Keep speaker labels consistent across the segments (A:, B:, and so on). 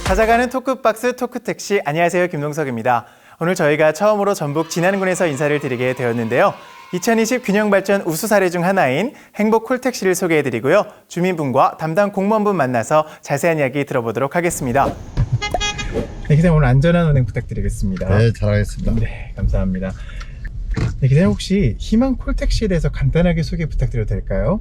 A: 찾아가는 토크박스 토크택시, 안녕하세요, 김동석입니다. 오늘 저희가 처음으로 전북 진안군에서 인사를 드리게 되었는데요. 2020 균형발전 우수 사례 중 하나인 행복 콜택시를 소개해드리고요. 주민분과 담당 공무원분 만나서 자세한 이야기 들어보도록 하겠습니다. 네, 기사님 오늘 안전한 운행 부탁드리겠습니다.
B: 네, 잘하겠습니다.
A: 네, 감사합니다. 네, 기사님 혹시 희망 콜택시에 대해서 간단하게 소개 부탁드려도 될까요?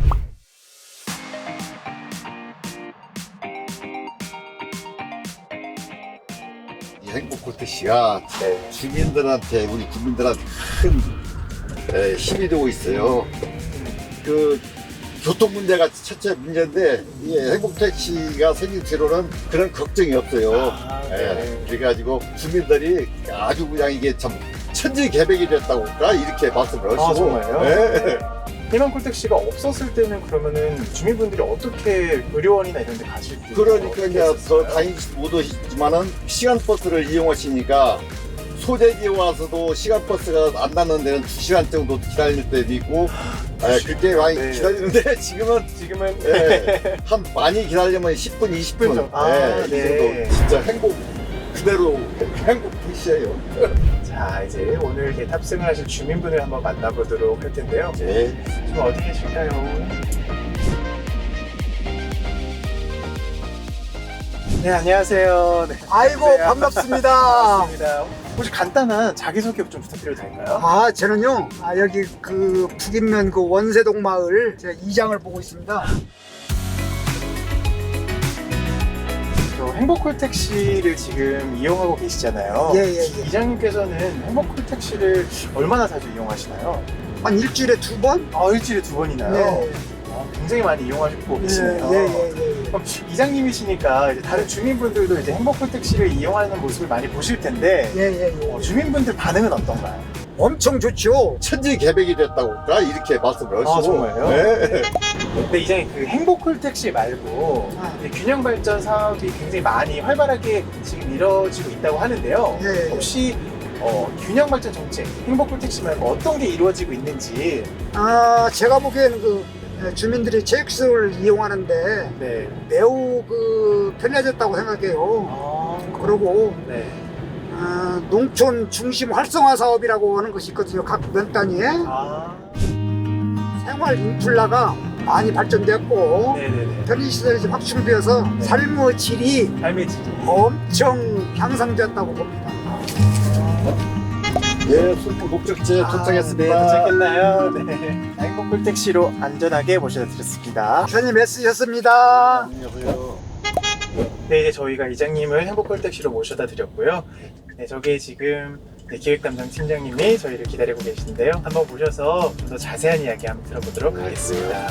B: 이 행복 콜택시가 주민들한테, 우리 국민들한테 큰 힘이 되고 있어요. 그 교통 문제가 첫째 문제인데, 이 행복 택시가 생긴 뒤로는 그런 걱정이 없어요. 그래가지고 주민들이 아주 그냥 이게 참 천지개벽이 됐다고 할까 이렇게 말씀을 하시고.
A: 정말요?
B: 네.
A: 희망 콜택시가 없었을 때는 그러면은 주민분들이 어떻게 의료원이나 이런 데 가실 때
B: 그러니까 이제 더 다니지 못하시지만은 시간버스를 이용하시니까 소재지에 와서도 시간버스가 안 닿는 데는 2시간 정도 기다릴 때도 있고, 그렇게 많이 기다리는데 지금은 한 많이 기다리면 10분, 20분
A: 정도.
B: 이 정도. 진짜 행복 그대로 행복 택시예요.
A: 자, 이제 오늘 이렇게 탑승을 하실 주민분을 한번 만나보도록 할 텐데요.
B: 네.
A: 지금 어디 계실까요? 네, 안녕하세요. 네,
C: 아이고,
A: 안녕하세요.
C: 반갑습니다.
A: 반갑습니다. 혹시 간단한 자기소개 좀 부탁드려도 될까요?
C: 저는요, 여기 그 북인면 그 원세동 마을 제가 이장을 보고 있습니다.
A: 행복콜택시를 지금 이용하고 계시잖아요.
C: 예.
A: 이장님께서는 행복콜택시를 얼마나 자주 이용하시나요?
C: 한 일주일에 2번?
A: 일주일에 2번이나요?
C: 네.
A: 굉장히 많이 이용하시고 계시네요.
C: 예.
A: 그럼 이장님이시니까 이제 다른 주민분들도 이제 행복콜택시를 이용하는 모습을 많이 보실 텐데
C: 예.
A: 주민분들 반응은 어떤가요?
C: 엄청 좋죠.
B: 천지개벽이 됐다고 할까 이렇게 말씀을 하시고.
A: 정말요?
B: 네.
A: 근데 이장님 그 행복콜택시 말고 이제 균형발전 사업이 굉장히 많이 활발하게 지금 이루어지고 있다고 하는데요.
C: 예.
A: 혹시 균형발전 정책, 행복콜택시 말고 어떤 게 이루어지고 있는지.
C: 제가 보기에는 그 주민들이 제익스를 이용하는데
A: 네.
C: 매우 그 편해졌다고 생각해요. 그리고
A: 네.
C: 농촌 중심 활성화 사업이라고 하는 것이 있거든요. 각 면 단위에 생활 인플라가 많이 발전되었고
A: 네네네.
C: 편의시설이 지금 확충되어서 삶의 질이
A: 삶의 질이.
C: 엄청 향상되었다고 봅니다.
B: 예, 술포 목적지에 도착했습니다.
A: 네, 도착했나요? 네. 행복콜택시로 안전하게 모셔다 드렸습니다.
C: 기사님 애쓰셨습니다.
B: 안녕하세요.
A: 네, 이제 저희가 이장님을 행복콜택시로 모셔다 드렸고요. 네, 저기 지금 기획담당 팀장님이 저희를 기다리고 계시는데요. 한번 모셔서 좀 더 자세한 이야기 한번 들어보도록 하겠습니다.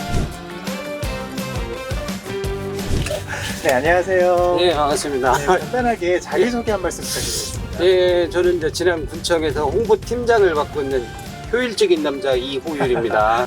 A: 네, 안녕하세요.
D: 네, 반갑습니다.
A: 네, 간단하게 자기소개 한 말씀 부탁드리겠습니다.
D: 네, 저는 이제 진안군청에서 홍보팀장을 맡고 있는 효율적인 남자 이호율입니다.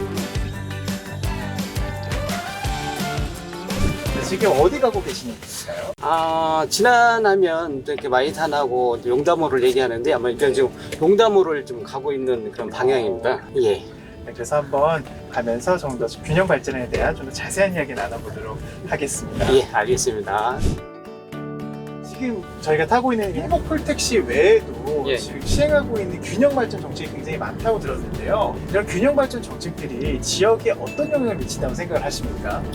A: 지금 어디 가고 계시는 건가요?
D: 진안하면 이렇게 마이탄하고 용담호를 얘기하는데 아마 일단 지금 용담호를 좀 가고 있는 그런 방향입니다. 예.
A: 네, 그래서 한번 가면서 좀 더 균형 발전에 대한 좀 더 자세한 이야기 나눠보도록 하겠습니다.
D: 예, 알겠습니다.
A: 지금 저희가 타고 있는 행복콜택시 외에도
D: 예.
A: 지금 시행하고 있는 균형 발전 정책이 굉장히 많다고 들었는데요. 이런 균형 발전 정책들이 지역에 어떤 영향을 미친다고 생각을 하십니까?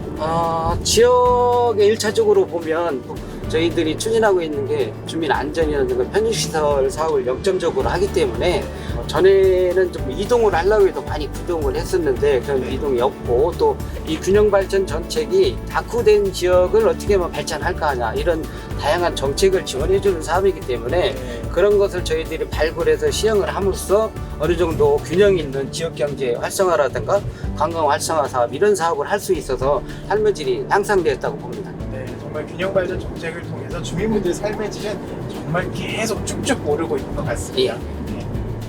D: 지역에 1차적으로 보면 저희들이 추진하고 있는 게 주민 안전이라든가 편의시설 사업을 영점적으로 하기 때문에 전에는 좀 이동을 하려고 해도 많이 구동을 했었는데 그런 이동이 없고 또 이 균형발전 정책이 낙후된 지역을 어떻게 하면 발전할까 하냐 이런 다양한 정책을 지원해주는 사업이기 때문에 그런 것을 저희들이 발굴해서 시행을 함으로써 어느 정도 균형 있는 지역경제 활성화라든가 관광 활성화 사업 이런 사업을 할 수 있어서 삶의 질이 향상되었다고 봅니다.
A: 네, 정말 균형 발전 정책을 통해서 주민분들의 삶의 질은 정말 계속 쭉쭉 오르고 있는 것 같습니다. 네.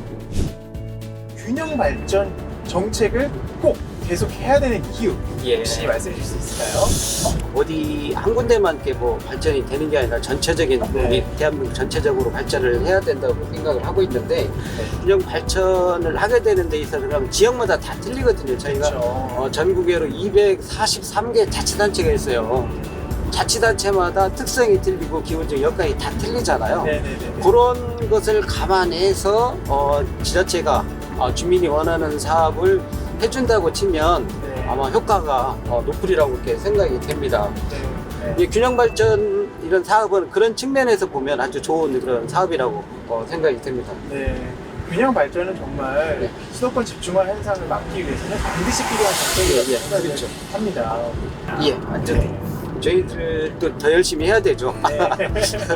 A: 균형 발전 정책을 꼭 계속 해야 되는 이유 혹시 말씀해 주실 수 있을까요?
D: 어디 한 군데만 이렇게 뭐 발전이 되는 게 아니라 전체적인 우리 대한민국 전체적으로 발전을 해야 된다고 생각을 하고 있는데 균형 발전을 하게 되는 데 있어서 지역마다 다 틀리거든요. 저희가 전국에로 243개 자치단체가 있어요. 자치단체마다 특성이 틀리고 기본적 여건이 다 틀리잖아요.
A: 네네네.
D: 그런 것을 감안해서 지자체가 주민이 원하는 사업을 해준다고 치면
A: 네.
D: 아마 효과가 높으리라고 이렇게 생각이 됩니다.
A: 네.
D: 이 균형 발전 이런 사업은 그런 측면에서 보면 아주 좋은 그런 사업이라고 생각이 됩니다.
A: 네. 균형 발전은 정말
D: 네.
A: 수도권 집중화 현상을 막기 위해서는 반드시 필요한 정책이라고
D: 예, 예,
A: 생각을
D: 그렇죠.
A: 합니다.
D: 예, 완전히. 저희들도 더 열심히 해야 되죠.
A: 네.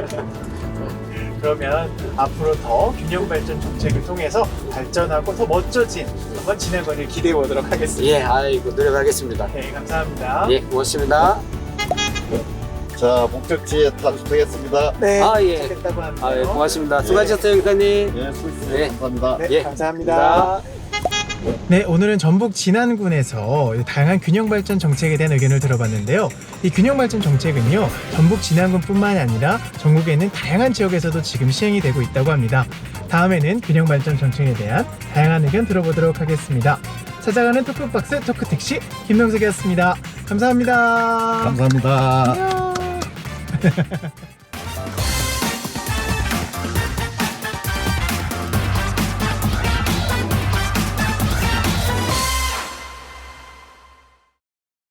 A: 그러면 앞으로 더 균형 발전 정책을 통해서 발전하고 더 멋져진 한번 진행을 기대해 보도록 하겠습니다.
D: 예, 아이고 노력하겠습니다.
A: 네, 감사합니다.
D: 예, 고맙습니다.
B: 자, 목적지에 도착했습니다.
A: 네,
D: 예.
A: 좋겠다고 합니다.
D: 아, 예, 고맙습니다. 수고하셨어요, 기사님.
B: 예, 수고했습니다.
D: 네.
B: 감사합니다.
A: 네,
D: 예,
A: 감사합니다. 네, 오늘은 전북 진안군에서 다양한 균형 발전 정책에 대한 의견을 들어봤는데요. 이 균형 발전 정책은요, 전북 진안군뿐만 아니라 전국에 있는 다양한 지역에서도 지금 시행이 되고 있다고 합니다. 다음에는 균형 발전 정책에 대한 다양한 의견 들어보도록 하겠습니다. 찾아가는 토크박스 토크택시 김명석이었습니다. 감사합니다.
B: 감사합니다.
A: 안녕.